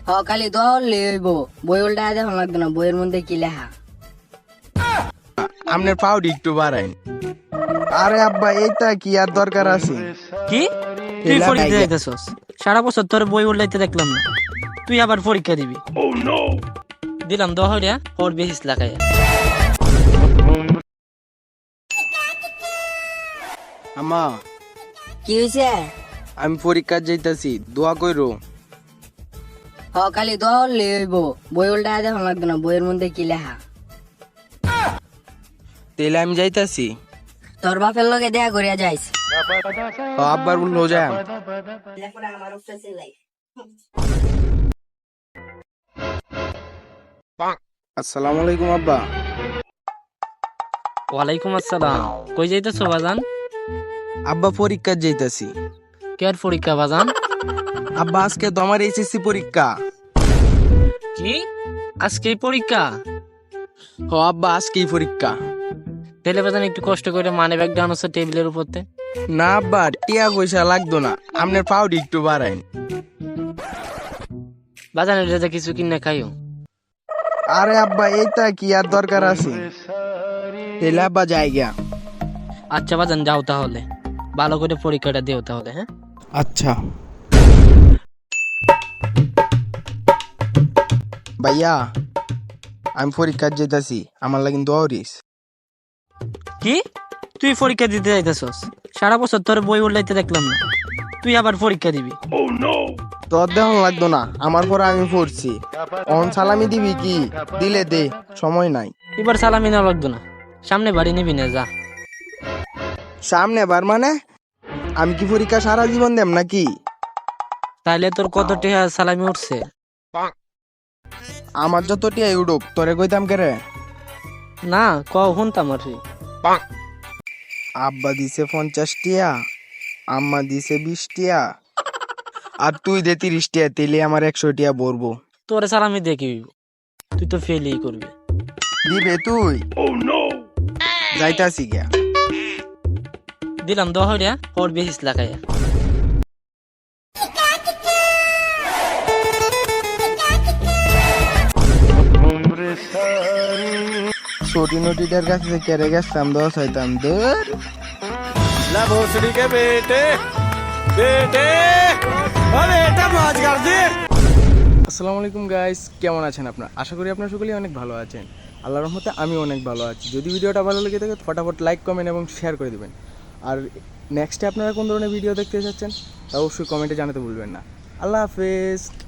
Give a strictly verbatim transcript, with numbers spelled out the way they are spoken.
হ খালি দোয়া হলে হইব। বই উল্টা দেখো লাগবে না, বইয়ের মধ্যে কি লেখা। আপনার পাউডি একটু বাড়াইন। আরে আব্বা এইটা কি আর দরকার আছে? কি তুই এলা পরীক্ষা ভাইয়া। দিতেছস? সারা বছর তোর বই উল্লাইতে দেখলাম না, তুই আবার পরীক্ষা দিবি? দিলাম দহ হইয়া ওর বেশিস লাগাইয়া। আমা কি হয়েছে? আমি পরীক্ষা যাইতাছি, দোয়া কইরো। হ খালি দোয়া হলে হইব। বই উল্টা দেখো লাগবে না, বইয়ের মধ্যে কি লেখা। তেলে আমি যাইতাছি। তোর বাপের লগে দেখা করিয়া যাইস। হ আব্বার বললো যাই। আসসালামু আলাইকুম আব্বা। ওয়ালাইকুম আসসালাম। কই যাইতেছো বাজান? আব্বা পরীক্ষা যাইতাছি। কেয়ার পরীক্ষা বাজান? আব্বা আজকে তো আমার এইচএসসি পরীক্ষা। কি আজকে পরীক্ষা? হ আব্বা আজকেই পরীক্ষা। তেলে বাজান একটু কষ্ট করে মানি ব্যাগ ডাউন হচ্ছে টেবিলের উপরতে। না আব্বা টিয়া পয়সা লাগতো না, আপনার পাউডি একটু বাড়াইন। বাজান এটা কিছু কিনে খাইও। আরে আব্বা এইটা কি আর দরকার আছে? তেলে আব্বা যাই গিয়া। আচ্ছা বাজান যাও তাহলে, ভালো করে পরীক্ষাটা দিও তাহলে। হ্যাঁ আচ্ছা ভাইয়া, আমি পরীক্ষা যেতেছি, আমার লাগি দোয়া করিস। কি তুই পরীক্ষা দিতে যাইতেছস? সারা বছর তোর বই উল্লাইতে দেখলাম না, তুই আবার পরীক্ষা দিবি? তোর দেহন লাগতো না, আমার পরে আমি পড়ছি। অন সালামি দিবি কি? দিলে দে, সময় নাই। এবার সালামি না লাগতো না, সামনে বাড়ি নিবি না, যা। সামনে বার মানে আমি কি পরীক্ষা সারা জীবন দেম নাকি? তাইলে তোর কত টাকা সালামি উঠছে? আমার যত টিয়া উডুক তোরে কইতাম কে রে? না ক শুনতাম আর কি। আব্বা দিছে পঞ্চাশ টিয়া, আম্মা দিছে বিশ টিয়া, আর তুই দে তিরিশ টিয়া, তেলে আমার একশো টিয়া ভরবো। তোর সালামি দেখি, তুই তো ফেলই করবি। দিবে তুই? যাইতাছি গিয়া। দিলাম দহ হইয়া ওর বেশিস লাগাইয়া। छोटी नोटीটার কাছে কেড়ে গেছতাম, দশ হইতাম দূর। ला भोसड़ी के बेटे बेटे अरे बेटा मौज कर दे। আসসালামু আলাইকুম গাইস, কেমন আছেন আপনারা? আশা করি আপনারা সকলেই অনেক ভালো আছেন। আল্লাহর রহমতে আমি অনেক ভালো আছি। যদি ভিডিওটা ভালো লেগে থাকে ফটাফট লাইক কমেন্ট এবং শেয়ার করে দিবেন। আর নেক্সটে আপনারা কোন ধরনের ভিডিও দেখতে চাচ্ছেন তা অবশ্যই কমেন্টে জানাতে ভুলবেন না। আল্লাহ হাফেজ।